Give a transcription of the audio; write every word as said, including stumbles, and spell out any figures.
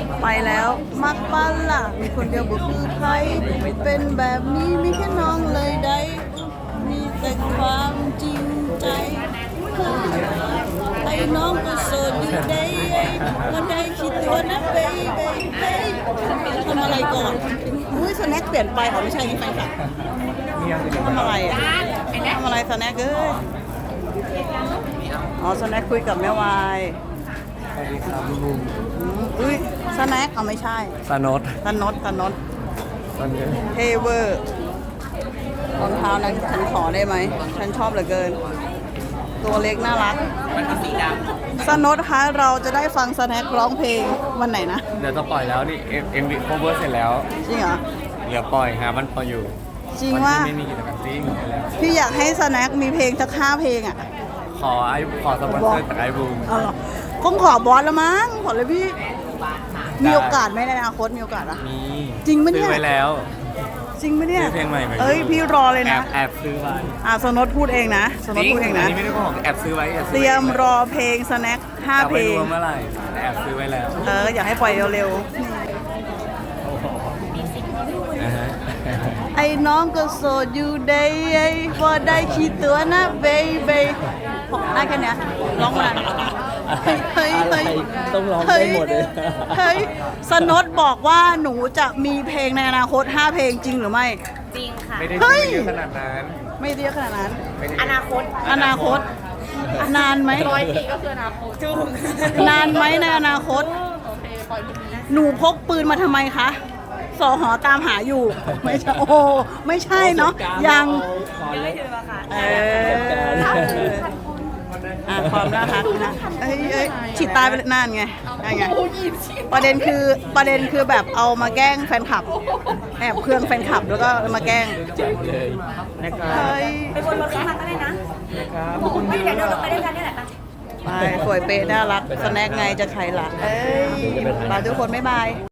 ไปแล้วมักบ้านล่ะมีคนเดียวบุคือใครเป็นแบบนี้มีแค่น้องเลยได้มีแต่ความจริงใจไอ้น้องก็โสดอยู่ได้ก็ได้คิดตัวนะเบย์เบย์เบย์ทำอะไรก่อนอุ้ยสแน็คเปลี่ยนไปอ๋อไม่ใช่นี่แฟนคลับทำอะไรอ่ะทำอะไรสแน็คเอ้ยอ๋อสแน็คคุยกับแม่วายสวัสดีครับลุงอุ้ยสแน็คเอาไม่ใช่สนดตนดตนดตอนนี้เทเวอร์รองเท้านั้นฉันขอได้ไหมฉันชอบเหลือเกิน ตัวเล็กน่ารักมันเป็นสีดำสนดคะเราจะได้ฟังสแน็คร้องเพลงวันไหนนะเดี๋ยวจะปล่อยแล้วนี่เอ็มเอ็มวีโคเวอร์เสร็จแล้วจริงเหรอเหลือปล่อยฮะมันปล่อยอยู่จริงว่าไม่มีกิจกรรมจริงแล้วพี่อยากให้สแน็คมีเพลงสักห้าเพลงอ่ะขอไอขอสปอนเซอร์จากไอบูมเอาเหรอคงขอบอสแล้วมั้งขอเลยพี่ มีโอกาสไหมในอนาคตมีโอกาสอ่ะมีจริงปะเนี่ยซื้อไว้แล้วจริงไหมเนี่ยซื้อเพลงใหม่ไหมเอ้ยพี่รอเลยแอนะบแอบซื้อไว้อ่ะสนดพูดเองนะสนดพูดเองอันะนนี้ไม่ได้โกหกแอบซื้อไว้แอบเตซื้อรีไว้ยมรอเพลงสแน็คห้าแต่เพลไม่งรู้ว่าเมื่อไหร่แต่แอบซื้อไว้แล้วเอออยากให้ปล่อยเร็วนะฮะๆ ไอ้น้องก็โสดอยู่ได้พอได้คิดตัวนะเบย์เบย์ได้แค่เนี้ยร้องมาเฮ้ยเฮ้ยเฮ้ยต้องร้องได้หมดเลยเฮ้ยสนดบอกว่าหนูจะมีเพลงในอนาคตห้าเพลงจริงหรือไม่จริงค่ะไม่ได้เฮ้ซื้ยอเยอะขนาดนั้นไม่เรียกขนาดนั้นไม่ได้อนาคตอนาคต นานไหมร้อยปีก็คืออนาคตจุงนานไหมในอนาคตโอเคปล่อยมือนะหนูพกปืนมาทำไมคะสอหอตามหาอยู่ ไม่ใช่โอ้โหไม่ใช่เนาะยังยังไม่ถึงราคาเอออ่ะความน่ารักนะเอ้ยเอ้ยฉีดตายไปเลยนั่นไงนั่นไงประเด็นคือประเด็นคือแบบเอามาแกล้งแฟนคลับแอบเครื่องแฟนคลับแล้วก็มาแกล้งเลยนะครับเฮ้ยไปบนรถข้างมาก็ได้นะนะครับไม่เดี๋ยวเดินรถไปด้วยกันนี่แหละปะไปสวยเป๊ะน่ารักสแน็คไงจะใครล่ะเอ้ยลาทุกคนบ๊ายบาย